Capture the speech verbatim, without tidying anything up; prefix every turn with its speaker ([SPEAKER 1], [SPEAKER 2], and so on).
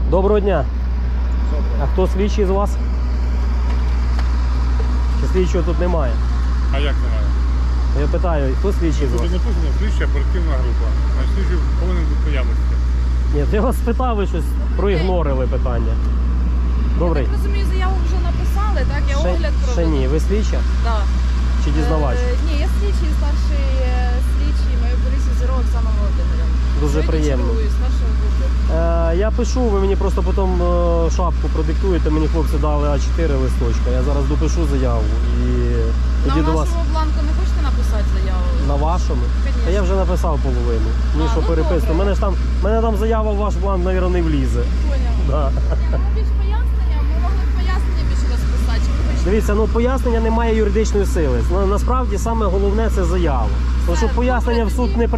[SPEAKER 1] Доброго дня.
[SPEAKER 2] Добре.
[SPEAKER 1] А хто слідчий з вас? Чи слідчого тут немає?
[SPEAKER 2] А як немає?
[SPEAKER 1] Я питаю, хто слідчий з
[SPEAKER 2] Тут
[SPEAKER 1] вас?
[SPEAKER 2] написано слідча оперативна група. А слідчий повинен бути наявності.
[SPEAKER 1] Ні, я вас спитав, ви щось проігнорили питання. Добрий.
[SPEAKER 3] Я так розумію, заяву вже написали, так? Я
[SPEAKER 1] Ще,
[SPEAKER 3] огляд
[SPEAKER 1] ще
[SPEAKER 3] проведу.
[SPEAKER 1] ні, ви слідча
[SPEAKER 3] Да.
[SPEAKER 1] чи дізнавач?
[SPEAKER 3] Е, ні, я слідчий, старший е, слідчий моєї поліції Зіро Оксана Володимирівна.
[SPEAKER 1] Дуже
[SPEAKER 3] Сьогодні
[SPEAKER 1] приємно.
[SPEAKER 3] чергую старшого групи.
[SPEAKER 1] Е, я пишу, ви мені просто потім е, шапку продиктуєте, мені хлопці дали А чотири листочка. Я зараз допишу заяву і тоді
[SPEAKER 3] На
[SPEAKER 1] до вас.
[SPEAKER 3] вашому бланку не хочете написати заяву?
[SPEAKER 1] На вашому?
[SPEAKER 3] Конечно.
[SPEAKER 1] Та я вже написав половину. Ні,
[SPEAKER 3] А,
[SPEAKER 1] що
[SPEAKER 3] ну
[SPEAKER 1] переписку.
[SPEAKER 3] добре.
[SPEAKER 1] Мене ж там, мене там заява в ваш бланк, мабуть, не влізе.
[SPEAKER 3] Поняв.
[SPEAKER 1] Да.
[SPEAKER 3] Ні, ну більш пояснення, ми могли б пояснення більше розписати. Чи ви хочете?
[SPEAKER 1] Дивіться, ну пояснення не має юридичної сили. На- Насправді саме головне це заява. Тому що
[SPEAKER 3] Все,
[SPEAKER 1] пояснення в
[SPEAKER 3] добре,
[SPEAKER 1] суд
[SPEAKER 3] тоді.
[SPEAKER 1] не